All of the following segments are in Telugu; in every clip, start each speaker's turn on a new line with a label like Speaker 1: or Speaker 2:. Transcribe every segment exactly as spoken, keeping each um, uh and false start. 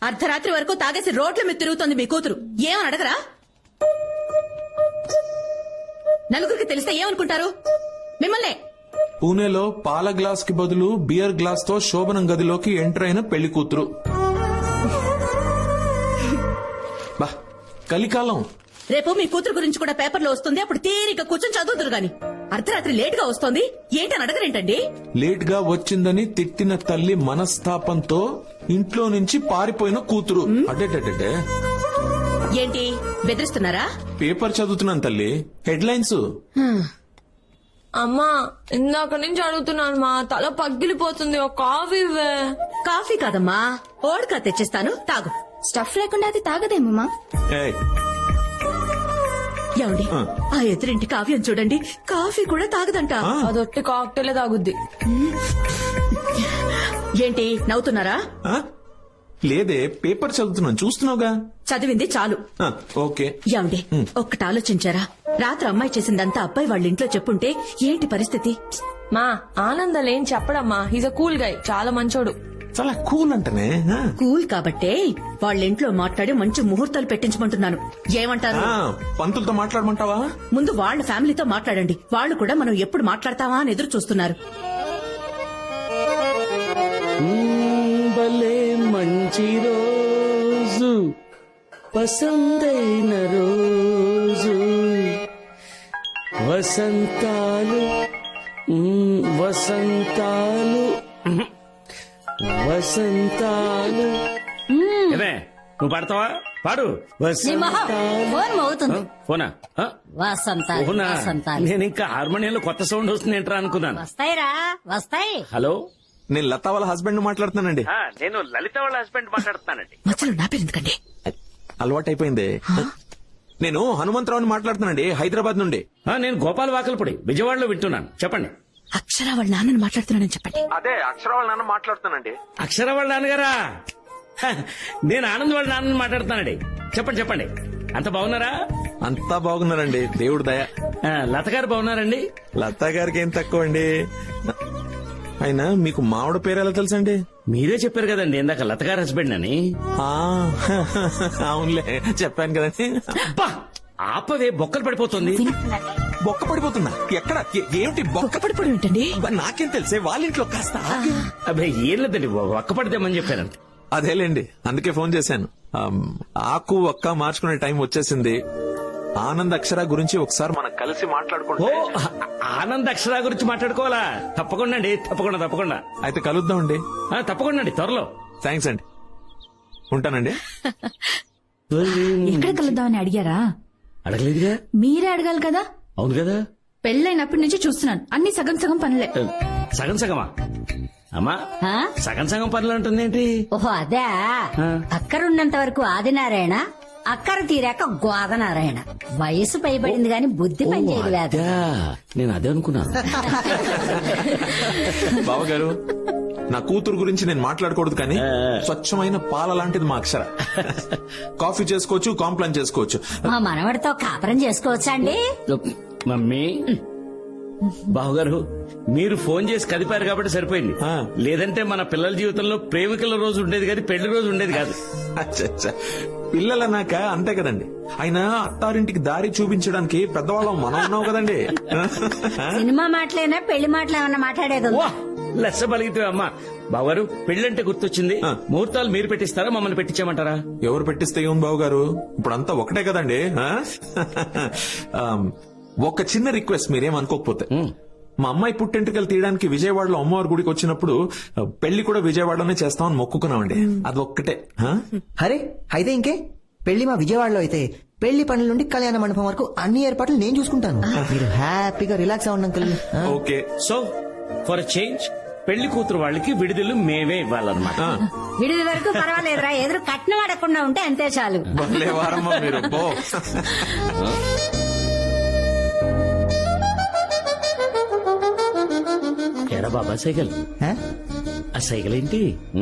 Speaker 1: అర్ధరాత్రి వరకు తాగేసి రోడ్ల మీద తిరుగుతోంది మీ కూతురు. ఏమని అడగరా? నలుగురికి తెలిస్తే ఏమనుకుంటారు మిమ్మల్ని?
Speaker 2: పూణేలో పాల గ్లాస్ కి బదులు బియర్ గ్లాస్ తో శోభనం గదిలోకి ఎంటర్ అయిన పెళ్లి కూతురు. బా కలికాలం.
Speaker 1: రేపు మీ కూతురు గురించి కూడా పేపర్లో వస్తుంది. అప్పుడు తీరిక కూర్చొని చదువుతురు గాని అర్ధరాత్రి లేట్ గా వస్తోంది ఏంటని అడగరేంటండి?
Speaker 2: లేట్ గా వచ్చిందని తిట్టిన తల్లి మనస్తాపంతో ఇంట్లో నుంచి పారిపోయిన కూతురు. అడ్డే
Speaker 1: ఏంటి బెదిరిస్తున్నారా?
Speaker 2: పేపర్ చదువుతున్నాను తల్లి, హెడ్లైన్స్.
Speaker 3: అమ్మా ఇందాక నుంచి అడుగుతున్నాను మా తల పగిలిపోతుంది. ఒక కాఫీ ఇవ్వే.
Speaker 1: కాఫీ కాదమ్మా, ఓడ్కా తెచ్చిస్తాను తాగు.
Speaker 4: స్టఫ్ లేకుండా అది తాగదేమమ్మా.
Speaker 1: ఏమండి ఆ ఎదురింటి కావ్యం చూడండి, కాఫీ కూడా తాగదంట.
Speaker 3: అదొట్టి కాక్టైలే తాగుద్ది.
Speaker 1: ఏంటి నవ్వుతున్నారా?
Speaker 2: లేదే, పేపర్ చదువుతున్నాను, చూస్తున్నావుగా.
Speaker 1: చదివింది చాలు.
Speaker 2: ఓకే.
Speaker 1: ఏమండి ఒక్కటి ఆలోచించారా? రాత్రి అమ్మాయి చేసిందంతా అబ్బాయి వాళ్ళ ఇంట్లో చెప్పుంటే ఏంటి పరిస్థితి?
Speaker 3: మా ఆనందలేం చెప్పడమ్మా. హీజ్ అ కూల్ గై, చాలా మంచోడు.
Speaker 2: చాలా కూల్ అంటనే.
Speaker 1: కూల్ కాబట్టే వాళ్ళ ఇంట్లో మాట్లాడి మంచి ముహూర్తాలు పెట్టించమంటున్నాను. ఏమంటారు?
Speaker 2: పంతులతో మాట్లాడమంటావా?
Speaker 1: ముందు వాళ్ళ ఫ్యామిలీతో మాట్లాడండి. వాళ్ళు కూడా మనం ఎప్పుడు మాట్లాడతావా అని ఎదురు చూస్తున్నారు.
Speaker 5: భలే మంచి రోజు, పసందైన రోజు, వసంతాలు వసంతాలు వసంతాలు. నువ్వు పాడతావా? పాడు. ఫోనా? నేను ఇంకా హార్మోనియంలో కొత్త సౌండ్ వస్తుంది ఏంట్రా అనుకున్నాను.
Speaker 6: వస్తాయిరా వస్తాయి.
Speaker 5: హలో,
Speaker 2: నేను లతా వాళ్ళ హస్బెండ్ మాట్లాడుతున్నానండి.
Speaker 5: నేను లలిత వాళ్ళ హస్బెండ్ మాట్లాడుతున్నానండి.
Speaker 1: మధ్యలో నా పేరు ఎందుకండి?
Speaker 2: అలవాటు అయిపోయింది. నేను హనుమంతరావుని మాట్లాడుతున్నానండి, హైదరాబాద్ నుండి.
Speaker 5: నేను గోపాల్ వాకల్పూడి, విజయవాడలో వింటున్నాను. చెప్పండి.
Speaker 1: అక్షర వాళ్ళ నాన్నని మాట్లాడుతున్నానని చెప్పండి.
Speaker 2: అదే అక్షర వాళ్ళ నాన్న మాట్లాడుతున్నానండి.
Speaker 5: అక్షర వాళ్ళ నాన్నగారా? నేను ఆనంద్ వాళ్ళ నాన్నని మాట్లాడుతున్నానండి. చెప్పండి చెప్పండి. అంత బాగున్నారా?
Speaker 2: అంతా బాగున్నారండి, దేవుడు దయ.
Speaker 5: లత గారు బాగున్నారండి?
Speaker 2: లతా గారికి ఏం తక్కువ అండి. అయినా మీకు మావిడ పేరు ఎలా తెలుసండి?
Speaker 5: మీరే చెప్పారు కదండి ఇందాక లత గారి హస్బెండ్ అని.
Speaker 2: అవునులే చెప్పాను కదండి.
Speaker 5: ఆపవే, బొక్కలు పడిపోతుంది.
Speaker 2: బొక్క పడిపోతుందా? ఎక్కడ? ఏమిటి బొక్క
Speaker 1: పడిపోవడం ఏంటండి?
Speaker 2: నాకేం తెలిసే, వాళ్ళ ఇంట్లో కాస్త.
Speaker 5: అబ్బాయి ఏం లేదండి, ఒక్క పడితేమని చెప్పారంట.
Speaker 2: అదేలేండి, అందుకే ఫోన్ చేశాను. ఆకు ఒక్క మార్చుకునే టైం వచ్చేసింది. ఆనంద్ అక్షర గురించి ఒకసారి మనం కలిసి మాట్లాడుకుంటే.
Speaker 5: ఆనంద్ అక్షర గురించి మాట్లాడుకోవాలా? తప్పకుండా అండి, తప్పకుండా తప్పకుండా.
Speaker 2: అయితే కలుద్దామండి.
Speaker 5: తప్పకుండా అండి, త్వరలో.
Speaker 2: థ్యాంక్స్ అండి, ఉంటానండి.
Speaker 4: ఎక్కడ కలుద్దామని అడిగారా?
Speaker 5: అడగలేదుగా.
Speaker 4: మీరే అడగాలి కదా.
Speaker 5: అవును కదా.
Speaker 4: పెళ్ళైనప్పటి నుంచి చూస్తున్నాను, అన్ని సగం సగం పనులే.
Speaker 5: సగం సగమా? అమ్మా సగం సగం పనులు అంటుంది ఏంటి?
Speaker 6: ఓహో అదే. అక్కరున్నంత వరకు ఆదినారాయణ, అక్కర తీరాక గోదనారాయణ. వయసు పైబడింది గాని బుద్ధి పనిచేయలేదు.
Speaker 5: నేను అదే అనుకున్నాను.
Speaker 2: బావగారు, నా కూతురు గురించి నేను మాట్లాడకూడదు కానీ స్వచ్ఛమైన పాల లాంటిది మా అక్షర. కాఫీ చేసుకోవచ్చు, కాంప్లైంట్ చేసుకోవచ్చు.
Speaker 6: మా మనవడితో కాపురం చేసుకోవచ్చా అండి?
Speaker 5: మమ్మీ, బావగారు మీరు ఫోన్ చేసి కదిపారు కాబట్టి సరిపోయింది. లేదంటే మన పిల్లల జీవితంలో ప్రేమికుల రోజు ఉండేది కాదు, పెళ్లి రోజు ఉండేది కాదు.
Speaker 2: పిల్లలన్నాక అంతే కదండి. అయినా అత్తారింటికి దారి చూపించడానికి పెద్దవాళ్ళం మనం ఉన్నాం కదండి.
Speaker 6: సినిమా మాటలేనా పెళ్లి మాటలు ఏమన్నా మాట్లాడేది?
Speaker 5: లెస్స బలిగితే అమ్మా. బావగారు, పెళ్లంటే గుర్తొచ్చింది. ముహూర్తాలు మీరు పెట్టిస్తారా, మమ్మల్ని పెట్టించామంటారా?
Speaker 2: ఎవరు పెట్టిస్తే ఏం బావగారు, ఇప్పుడంతా ఒకటే కదండి. ఒక చిన్న రిక్వెస్ట్, మీరేం అనుకోకపోతే. మా అమ్మాయి పుట్టెంటుకలు తీయడానికి విజయవాడలో అమ్మవారి గుడికి వచ్చినప్పుడు పెళ్లి కూడా విజయవాడలోనే చేస్తామని మొక్కుకున్నామండి. అది ఒక్కటే.
Speaker 7: అరే అయితే ఇంకే, పెళ్లి మా విజయవాడలో అయితే పెళ్లి పనుల నుండి కళ్యాణ మండపం వరకు అన్ని ఏర్పాట్లు నేను చూసుకుంటాను. మీరు హ్యాపీగా రిలాక్స్ అవ్వండి uncle.
Speaker 2: Okay.
Speaker 5: So for change పెళ్లి కూతురు వాళ్ళకి విడుదల మేమే ఇవ్వాలన్నమాట.
Speaker 6: విడుదల వరకు పర్వాలేదురా, ఎదురు కట్నం అడగకుండా ఉంటే అంతే చాలు.
Speaker 2: మీరు
Speaker 5: ఎరా బాబా సైకిల్, ఆ సైకిల్ ఏంటి?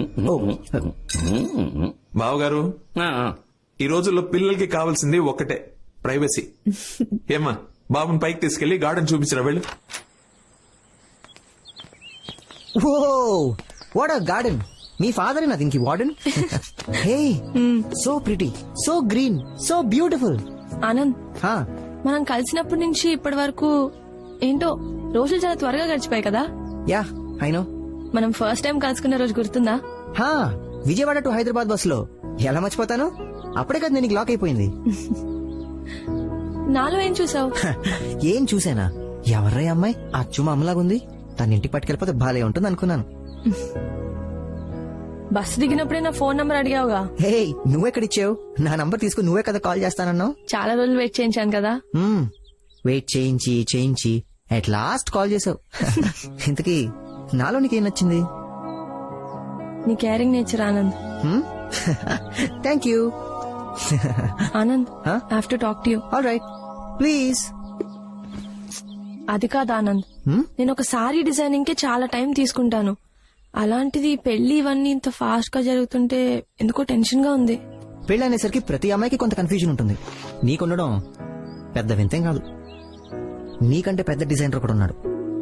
Speaker 2: బావగారు, ఈ రోజుల్లో పిల్లలకి కావాల్సింది ఒక్కటే, ప్రైవసీ. ఏమ్మా, బాబుని పైకి తీసుకెళ్లి గార్డెన్ చూపించరా వెళ్ళు.
Speaker 7: Oh what a garden. మీ ఫాదర్ నా దీనికి warden. Hey so pretty, so green, so beautiful.
Speaker 3: Anand మనం కలిసినప్పటి నుంచి ఇప్పటి వరకు ఏంటో రోజులు చాలా త్వరగా గడిచిపోయాయి కదా.
Speaker 7: Yeah I know.
Speaker 3: మనం ఫస్ట్ టైం కలుసుకున్న రోజు గుర్తుందా?
Speaker 7: హా విజయవాడ టు హైదరాబాద్ బస్ లో. ఎలా మర్చిపోతాను, అప్పుడే కదా నేను లాక్ అయిపోయింది.
Speaker 3: నాలో ఏం చూసావు?
Speaker 7: ఏం చూసానా, ఎవర్రా అమ్మాయి అచ్చు మా అమ్మలాగుంది, తన ఇంటికి పట్టుకెళ్ళిపోతే బాలే ఉంటుంది అనుకున్నాను.
Speaker 3: బస్సు దిగినప్పుడే నా ఫోన్ నంబర్ అడిగావుగా.
Speaker 7: హే నువ్వెక్కడిచ్చావు? నా నంబర్ తీసుకుని నువ్వే కదా కాల్ చేస్తానన్నావు.
Speaker 3: చాలా రోజులు వెయిట్ చేయించాను కదా.
Speaker 7: వెయిట్ చేయించి చేయించి అట్ లాస్ట్ కాల్ చేసావు. ఇంతకీ నాలో నీకేం నచ్చింది?
Speaker 3: నీ caring nature Anand.
Speaker 7: Thank you.
Speaker 3: Anand
Speaker 7: Huh?
Speaker 3: I have to talk to you.
Speaker 7: All right please.
Speaker 3: అది కాదు ఆనంద్, నేను ఒక సారీ డిజైనింగ్ కి చాలా టైం తీసుకుంటాను. అలాంటిది పెళ్లి ఇవన్నీ ఇంత ఫాస్ట్ గా జరుగుతుంటే ఎందుకో టెన్షన్ గా ఉంది.
Speaker 7: పెళ్లి అనేసరికి ప్రతి అమ్మాయికి కొంత కన్ఫ్యూజన్ ఉంటుంది. నీకుండడం పెద్ద వింతేం కాదు. నీకంటే పెద్ద డిజైనర్ కూడా ఉన్నాడు.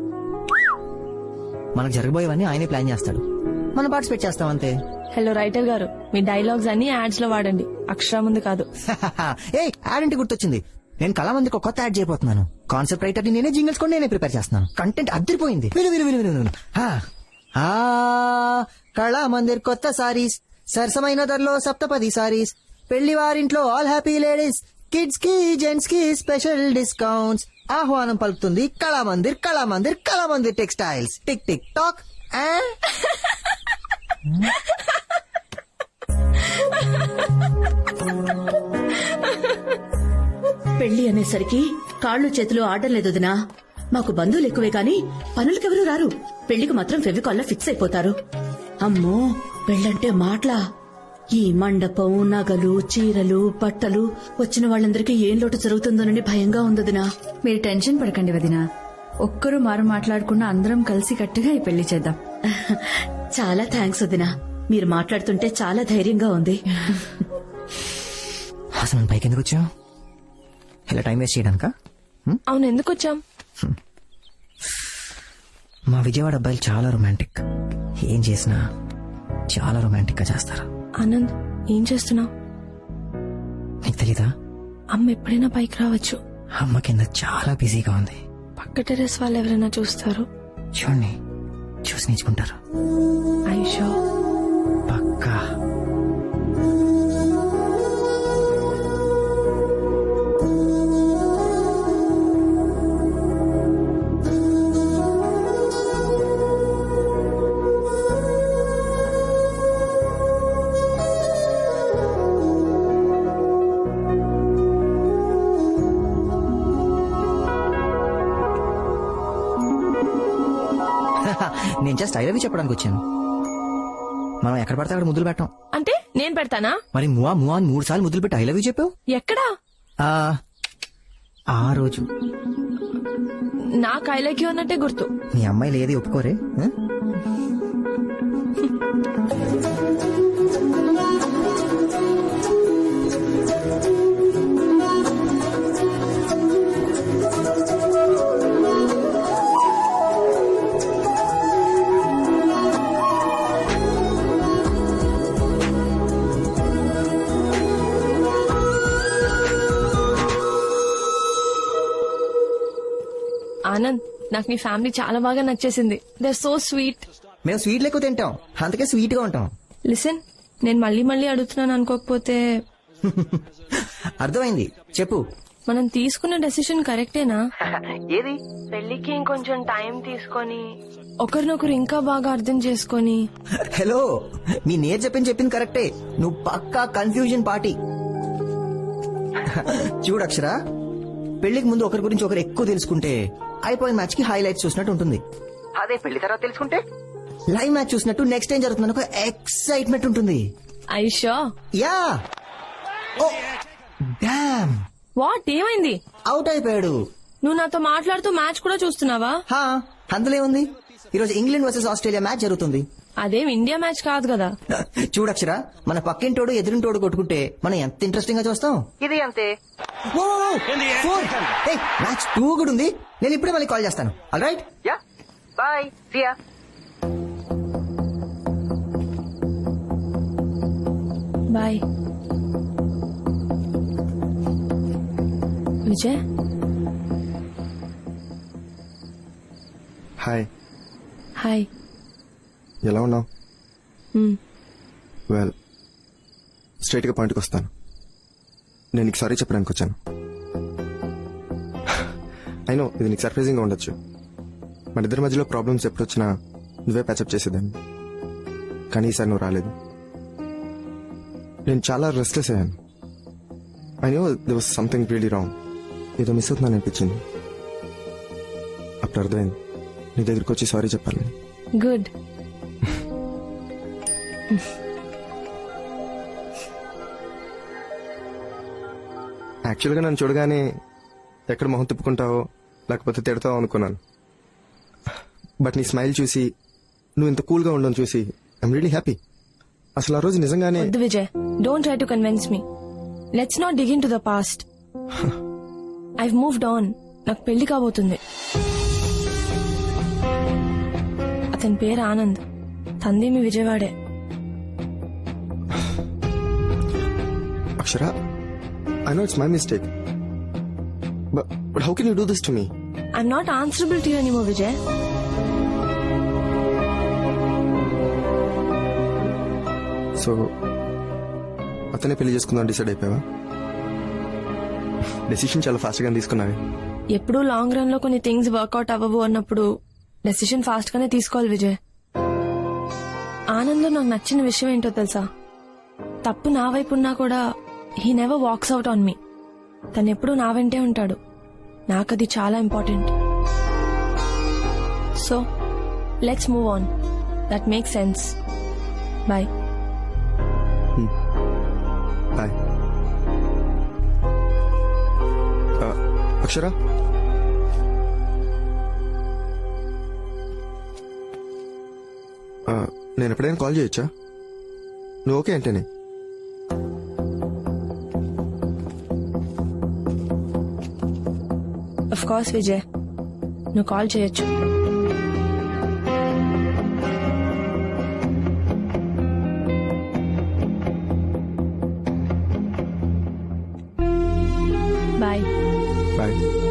Speaker 7: మనకు జరగబోయేవన్నీ ఆయనే ప్లాన్ చేస్తాడు, మనం పార్టిసిపేట్ చేస్తాం అంతే.
Speaker 3: హలో రైటర్ గారు, మీ డైలాగ్స్ అన్ని యాడ్స్ లో వాడండి, అక్షరం ముందు కాదు.
Speaker 7: ఏ యాడ్ అంటే గుర్తొచ్చింది, నేను కళామందికి ఒక కొత్త యాడ్ చేయబోతున్నాను. కాన్సెప్ట్ రైటర్ ని నేనే, జింగిల్స్ కూడా నేనే ప్రిపేర్ చేస్తున్నాను. కంటెంట్ అద్దరిపోయింది. విను విను విను విను విను. ఆ, ఆ, కళామందిర్ కొత్త సారీస్, సరసమైన ధరలో సప్తపది సారీస్, పెళ్లి వారింట్లో ఆల్ హ్యాపీ లేడీస్, కిడ్స్ కి జెంట్స్ కి స్పెషల్ డిస్కౌంట్స్. ఆహ్వానం పలుకుతుంది Kalamandir, Kalamandir, Kalamandir textiles. Tick tick tock. ఆ?
Speaker 1: పెళ్లి అనేసరికి కాళ్ళు చేతులు ఆడడం లేదు వదినా. మాకు బంధువులు ఎక్కువే గాని పనులకెవరూ రారు. పెళ్లికి మాత్రం ఫెవికాల్లో ఫిక్స్ అయిపోతారు. అమ్మో పెళ్ళంటే మాటలా. ఈ మండపం, నగలు, చీరలు, బట్టలు, వచ్చిన వాళ్ళందరికీ ఏం లోటు జరుగుతుందోనని భయంగా ఉందదినా.
Speaker 4: మీరు టెన్షన్ పడకండి వదినా. ఒక్కరు మారు మాట్లాడకుండా అందరం కలిసి కట్టుగా ఈ పెళ్లి చేద్దాం.
Speaker 1: చాలా థ్యాంక్స్ వదినా, మీరు మాట్లాడుతుంటే చాలా ధైర్యంగా ఉంది.
Speaker 7: అసలు నన్ను పైకి ఎందుకు వచ్చావు? ఇలా టైం వేస్ట్ చేయడానికా?
Speaker 3: అవును, ఎందుకు వచ్చాం?
Speaker 7: మా విజయవాడ అబ్బాయిలు చాలా రొమాంటిక్. ఏం చేసినా చాలా రొమాంటిక్ గా చేస్తారు.
Speaker 3: ఆనంద్ ఏం చేస్తున్నావు?
Speaker 7: నీకు తెలీదా?
Speaker 3: అమ్మ ఎప్పుడైనా పైకి రావచ్చు.
Speaker 7: అమ్మ కింద చాలా బిజీగా ఉంది.
Speaker 3: పక్క టెరెస్ వాళ్ళు ఎవరైనా చూస్తారు.
Speaker 7: చూడండి, చూసి నేర్చుకుంటారు.
Speaker 3: ఐషో
Speaker 7: పక్కా. నేను జస్ట్ ఐ లవ్ యూ చెప్పడానికి వచ్చాను. మనం ఎక్కడ పడితే అక్కడ ముద్దులు పెట్టాం.
Speaker 3: అంటే నేను పెడతానా?
Speaker 7: మరి మువా మువా అని మూడు సార్లు ముద్దులు పెట్టి ఐ లవ్ యూ చెప్పావు.
Speaker 3: ఎక్కడా?
Speaker 7: ఆ, ఆ రోజు
Speaker 3: నా కైలకి ఉన్నట్టే గుర్తు.
Speaker 7: మీ అమ్మాయిలు ఏది ఒప్పుకోరే. ఆ?
Speaker 3: ఆనంద్, నాకు నీ ఫ్యామిలీ చాలా బాగా నచ్చేసింది. They are so sweet.
Speaker 7: మేము స్వీట్లు ఎక్కువ తింటాం, అందుకే స్వీట్ గా ఉంటాం.
Speaker 3: లిసన్, నేను మళ్ళీ మళ్ళీ అడుగుతున్నాను అనుకోకపోతే.
Speaker 7: అర్థమైంది, చెప్పు.
Speaker 3: మనం తీసుకున్న డెసిషన్ కరెక్టేనా?
Speaker 7: ఏది?
Speaker 3: పెళ్లికి ఇంకొంచెం టైం తీసుకొని ఒకరినొకరు ఇంకా బాగా అర్థం చేసుకొని.
Speaker 7: హలో, మీ నేర్ చెప్పింది చెప్పింది కరెక్టే. నువ్వు పక్కా కన్ఫ్యూజన్ పార్టీ. చూడు అక్షర, పెళ్లికి ముందు ఒకరి గురించి ఒకరు ఎక్కువ తెలుసుకుంటే అయిపోయిన మ్యాచ్ కి హైలైట్స్ చూసినట్టు ఉంటుంది. అదే పెళ్లి తర్వాత తెలుసుకుంటే లైవ్ మ్యాచ్ చూసినట్టు నెక్స్ట్ ఏం జరుగుతుందని ఒక ఎక్సైట్మెంట్ ఉంటుంది.
Speaker 3: ఐషో
Speaker 7: యా. ఓ డామ్,
Speaker 3: వాట్, ఏమైంది?
Speaker 7: అవుట్ అయిపోయాడు.
Speaker 3: నువ్వు నాతో మాట్లాడుతూ మ్యాచ్ కూడా చూస్తున్నావా?
Speaker 7: హా, అందులో ఏముంది? ఈరోజు ఇంగ్లాండ్ వర్సెస్ ఆస్ట్రేలియా మ్యాచ్ జరుగుతుంది.
Speaker 3: అదేం ఇండియా మ్యాచ్ కాదు కదా.
Speaker 7: చూడక్షరా, మన పక్కింటోడు ఎదురింటోడు కొట్టుకుంటే మనం ఎంత ఇంట్రెస్టింగ్ గా చూస్తాం. ఇది అంతే. మ్యాచ్ టూ కూడా ఉంది. నేను ఇప్పుడే మళ్ళీ కాల్ చేస్తాను. All right, yeah, bye, see ya.
Speaker 3: Bye Vijay.
Speaker 8: Hi,
Speaker 3: hi.
Speaker 8: ఎలా ఉన్నావు?
Speaker 3: మ్,
Speaker 8: వెల్, స్ట్రైట్గా పాయింట్కి వస్తాను. నేను నీకు సారీ చెప్పడానికి వచ్చాను. అయినో ఇది నీకు సర్ప్రైజింగ్గా ఉండొచ్చు. మన ఇద్దరి మధ్యలో ప్రాబ్లమ్స్ ఎప్పుడొచ్చినా నువ్వే ప్యాచప్ చేసేదాన్ని. కానీ ఈసారి నువ్వు రాలేదు. నేను చాలా రెస్ట్లెస్ అయ్యాను. I know they was something really wrong. ఏదో మిస్ అవుతున్నాను అనిపించింది. అప్పుడు అర్థమైంది నీ దగ్గరికి వచ్చి సారీ చెప్పాలని.
Speaker 3: గుడ్.
Speaker 8: యాక్చువల్గా నన్ను చూడగానే ఎక్కడ మొహం తిప్పుకుంటావో లేకపోతే తిడతావో అనుకున్నాను. బట్ నీ స్మైల్ చూసి నువ్వు ఇంత కూల్గా ఉండడం చూసి ఐఎమ్ రియలీ హ్యాపీ. అసలు ఆ రోజు నిజంగానే
Speaker 3: వద్దు Vijay, don't try to convince me. Let's not dig in to the past. I've moved on. నాకు పెళ్లి కాబోతుంది. అతని పేరు ఆనంద్. తంది మీ విజయవాడే.
Speaker 8: Akshara, I know it's my mistake. But how can you do this to me?
Speaker 3: I'm not answerable to you anymore Vijay.
Speaker 8: So అతనే పెళ్లి చేసుకుందాం డిసైడ్ అయిపోయావా? డెసిషన్ చాలా ఫాస్ట్ గా తీసుకున్నావే.
Speaker 3: ఎప్పుడూ లాంగ్ రన్ లో కొన్ని థింగ్స్ వర్కౌట్ అవ్వవు అన్నప్పుడు డెసిషన్ ఫాస్ట్ గానే తీసుకోవాలి విజయ్. ఆనంద్ నాకు నచ్చిన విషయం ఏంటో తెలుసా? తప్పు నా వైపు ఉన్నా కూడా he never walks out on me. తను ఎప్పుడూ నా వెంటే ఉంటాడు. నాకది చాలా important. So let's move on. That make sense. Bye.
Speaker 8: Bye. Akshara, నేను ఎప్పుడైనా కాల్ చేయొచ్చా? నువ్వు ఓకే అంటేనే.
Speaker 3: ఆఫ్ కోర్స్ విజయ్, నువ్వు కాల్ చేయొచ్చు. బాయ్.
Speaker 8: బాయ్.